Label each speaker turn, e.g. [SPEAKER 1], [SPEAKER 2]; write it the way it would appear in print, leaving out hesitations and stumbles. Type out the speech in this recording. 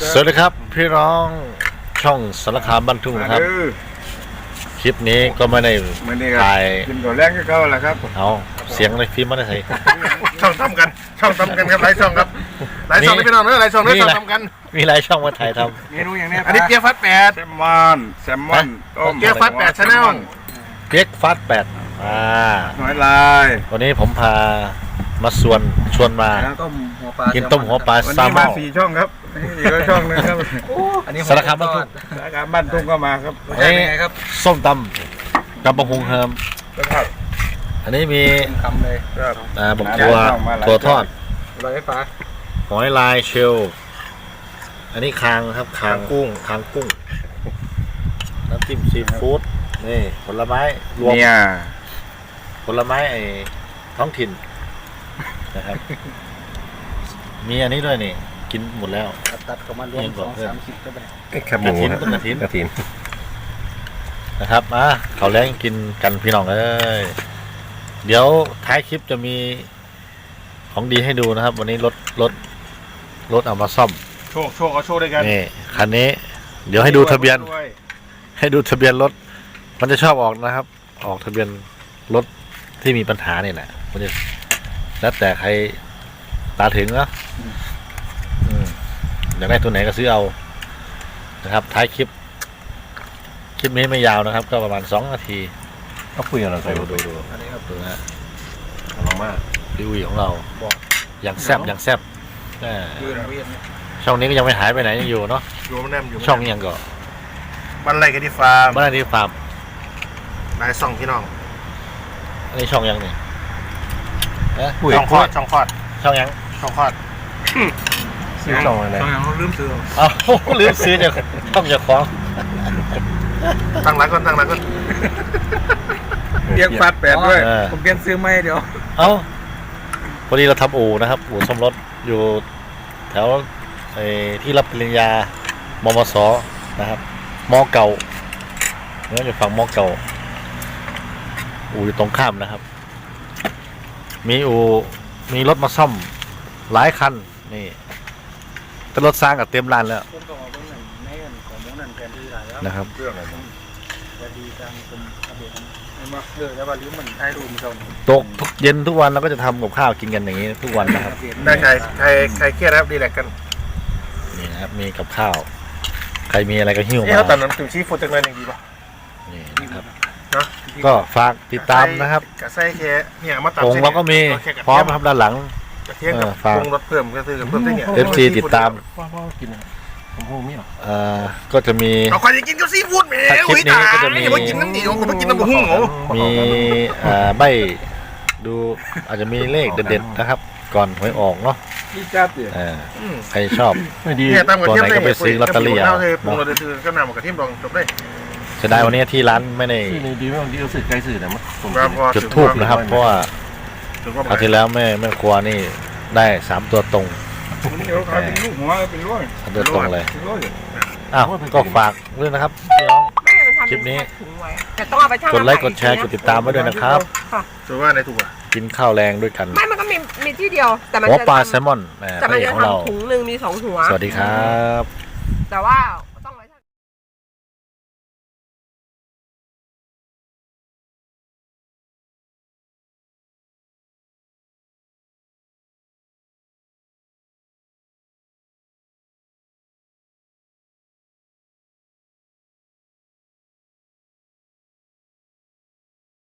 [SPEAKER 1] สวัสดีครับพี่น้องช่องสารคามบ้านทุ่งนะครับคลิปนี้ก็ไม่ได้ถ่าย
[SPEAKER 2] กินก่อนแรงก็เข้าแหละครับ
[SPEAKER 1] เอาเสียงในฟิล์มไม่ได้ใส่
[SPEAKER 2] ช่องทำกันครับหลายช่องครับหลายช่องนี่พี่น้องเนอะหลายช่องนี่ช่องทำกัน
[SPEAKER 1] มีหลายช่องมาถ่ายท
[SPEAKER 2] ำเมนูอย่างนี้อันนี้เกี๊ยวฟัด8แซลมอนต้มเกี๊ยวฟัด8ชาแนล
[SPEAKER 1] เกี๊ยวฟัด8
[SPEAKER 2] หน่อยลาย
[SPEAKER 1] วันนี้ผมพามาชวนมากินต้มหัวปลาซาลมอน
[SPEAKER 2] 4 ช่องครับอีกช่องนึงครับ
[SPEAKER 1] สารคามบ้านทุ่ง
[SPEAKER 2] สารคามบ้านทุ่งก็มาครับ
[SPEAKER 1] นี่ส้มตำกับปะฮุงเฮิมอันนี้มี
[SPEAKER 2] คำเลย
[SPEAKER 1] บักตัวทอดหอยลายเชลอันนี้คางครับคางกุ้งน้ำจิ้มซีฟู้ดนี่ผลไม้รวมผลไม้ไอ้ท้องถิ่นนะครับมีอันนี้ด้วยนี่กินหมดแล้ว
[SPEAKER 2] ตัดกับมันรวม2-30ก็ไป
[SPEAKER 1] กระถินนะครับเขาแรงกินกันพี่น้องเอ้ยเดี๋ยวท้ายคลิปจะมีของดีให้ดูนะครับวันนี้รถเอามาซ่อม
[SPEAKER 2] โชว์เอาโชว์ด้วยกัน
[SPEAKER 1] นี่คันนี้เดี๋ยวให้ดูทะเบียนรถมันจะชอบออกนะครับออกทะเบียนรถที่มีปัญหาเนี่ยแหละมันจะแล้วแต่ใครตาถึงนะอยากได้ตัวไหนก็ซื้อเอานะครับท้ายคลิปนี้ไม่ยาวนะครับก็ประมาณ2 นาที
[SPEAKER 2] ก็คุยกันเราใส่
[SPEAKER 1] ดู
[SPEAKER 2] อันนี้ครับ
[SPEAKER 1] ดูนะ
[SPEAKER 2] เรามาก
[SPEAKER 1] รีวิวของเราอย่างแซ่บช่องนี้ก็ยังไม่หายไปไหนยังอยู่เนาะช่องนี้ยังก็
[SPEAKER 2] บ้านไรกันที่ฟาร์ม
[SPEAKER 1] น
[SPEAKER 2] ายส่องพี่น้อง
[SPEAKER 1] อันนี้ช่องยังนี่
[SPEAKER 2] ช่องคอดช่อง
[SPEAKER 1] ยัง
[SPEAKER 2] ช่องคอดซื้อช่องอะไรลืมซื้อ
[SPEAKER 1] ลืมซื้อเนี่ยช่องจะคล้อง
[SPEAKER 2] ตั้งหลักก่อนเรียกฟัด8ด้วยผมเปลี่ยนซื้อไม่เดี๋ยว
[SPEAKER 1] พอดีเราทำอู่นะครับอู่ซ่อมรถอยู่แถวที่รับปริญญามมสนะครับมเก่าเนี่ยอยู่ฝั่งมเก่าอู่อยู่ตรงข้ามนะครับมีรถมาซ่อมหลายคันนี่แต่รถสร้างกับเต็มร้านแล้วนะครับตกทุกเย็นทุกวันเราก็จะทำกับข้าวกินกันอย่างนี้ทุกวันนะครับ
[SPEAKER 2] ได้ใครเครียดครับดีแลกกัน
[SPEAKER 1] นี่นะครับมีกับข้าวใครมีอะไรก็หิ้วมา
[SPEAKER 2] เขาตัดน้ำจิ้มซีฟู้ดจังเลยอย่างดีป่ะ
[SPEAKER 1] นี่นะครับก็ฝากติดตามนะครับ
[SPEAKER 2] กระไส้แค่เนี่ยมาตัด
[SPEAKER 1] ผงเราก็มีพร้อมครับด้านหลัง
[SPEAKER 2] ฝากรถเพิ่มก็คือเพิ่มได้เนี่ย
[SPEAKER 1] FC ติดตามก็จะมี
[SPEAKER 2] เอาใครจะกินก็ซีฟู้ดแหม
[SPEAKER 1] คลิปนี้ก็จะมี
[SPEAKER 2] กินน้ำเหนียวผมกินน้ำหุ้ง
[SPEAKER 1] มีใบดูอาจจะมีเลขเด็ดๆนะครับก่อนหวยออกเนาะใครชอบตัวไหนก็ไปซื้อลอตเตอรี่เอา
[SPEAKER 2] ก็นำกับทีมรองจบได้
[SPEAKER 1] เสียดายวันนี้ที่ร้านไม่ได้จุดทูบนะครับเพราะว่าอาทิตย์แล้วแม่ครัวนี่ได้3 ตัวตรง3 ตัวตรงเลยก็ฝากด้วยนะครับพี่น้องคลิปนี้กดไลค์กดแชร์กดติดตามไว้ด้วยนะครับ
[SPEAKER 2] ถือว่าในถูกอ่ะ
[SPEAKER 1] กินข้าวแรงด้วยกัน
[SPEAKER 3] มันก็มีที่เดียวแต่มัน
[SPEAKER 1] หัวปลาแซลมอน
[SPEAKER 3] แต่มันจะทำถุงนึงมี2 หัว
[SPEAKER 1] สวัสดีครับ
[SPEAKER 3] แต่ว่า